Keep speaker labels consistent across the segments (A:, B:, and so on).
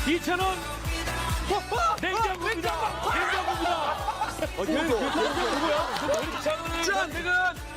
A: 2,000원 냉장고입니다. 냉장고입니다. 누구야? 2,000원을 선택은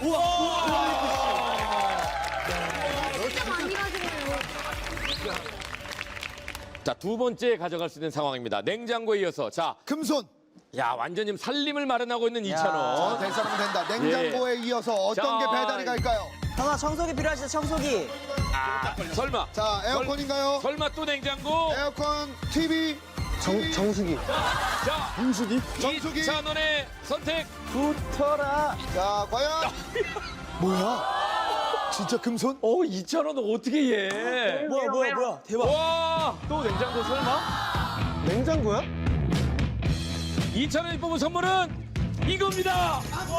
A: 자, 두 번째 가져갈 수 있는 상황입니다. 냉장고에 이어서 자,
B: 금손.
A: 야 완전히 살림을 마련하고 있는
B: 자,
A: 2,000원.
B: 될 사람은 된다. 냉장고에 이어서 어떤
A: 자,
B: 게 배달이 갈까요?
C: 형아 청소기 필요하시죠? 청소기.
A: 아, 설마.
B: 자, 에어컨인가요?
A: 설마 또 냉장고?
B: 에어컨, TV,
C: 정수기.
A: 자,
B: 정수기.
A: 2,000원의 선택.
C: 붙어라.
B: 자, 과연 뭐야? 진짜 금손?
A: 2,000원 어떻게 해?
C: 뭐야. 대박.
A: 와, 또 냉장고 설마?
C: 냉장고야?
A: 2,000원이 뽑은 선물은 이겁니다.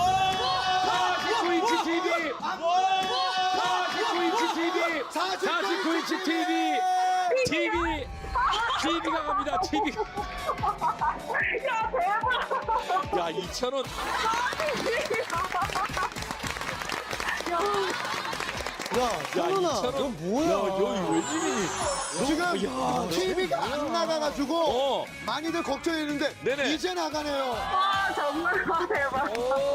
A: 49인치 TV. 49인치 TV. 49인치 TV. TV가 갑니다. TV가.
D: 야, 대박!
A: 야, 2,000원.
C: 야, 현훈아,
A: 2,000원.
C: 너 뭐야?
A: 야, 여기 웬일이니?
B: 지금 TV가 안 나가가지고
A: 어.
B: 많이들 걱정했는데
A: 네네.
B: 이제 나가네요.
D: 아, 정말 대박.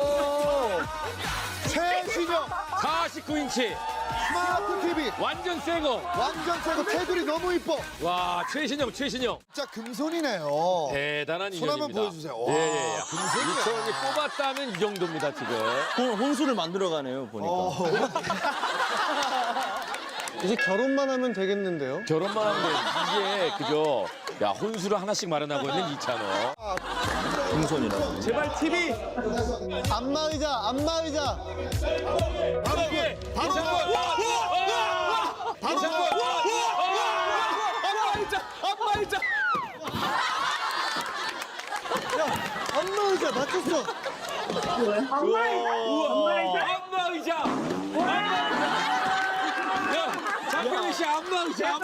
B: 최신형
A: 49인치.
B: 스마트 TV.
A: 완전 새 거.
B: 완전 새거 테두리 너무 이뻐.
A: 와, 최신형.
B: 진짜 금손이네요.
A: 대단한
B: 손 한번
A: 인연입니다.
B: 보여주세요. 와,
A: 예.
B: 금손이야.
A: 2,000원이 뽑았다면 이 정도입니다, 지금.
C: 혼수를 만들어가네요, 보니까. 이제 결혼만 하면 되겠는데요?
A: 결혼만 하면 이게 그죠? 야, 혼수를 하나씩 마련하고 있는 2,000원.
C: 금손이라고.
A: 제발 TV.
C: 안마의자.
A: 바로 이게 바로 안마의자.
C: 안마의자 맞췄어.
A: 안마의자. 야, 장병희 씨 안마의자.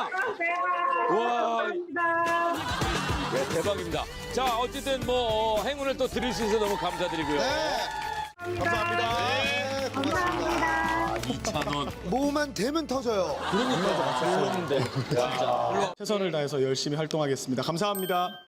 A: 와, 네, 대박입니다. 자, 어쨌든 뭐 행운을 또 드릴 수 있어서 너무 감사드리고요.
B: 네. 감사합니다. 네, 고맙습니다.
A: 2,000원.
B: 뭐만 되면 터져요.
A: 그러니까.
C: 몰랐는데.
E: 최선을 다해서 열심히 활동하겠습니다. 감사합니다.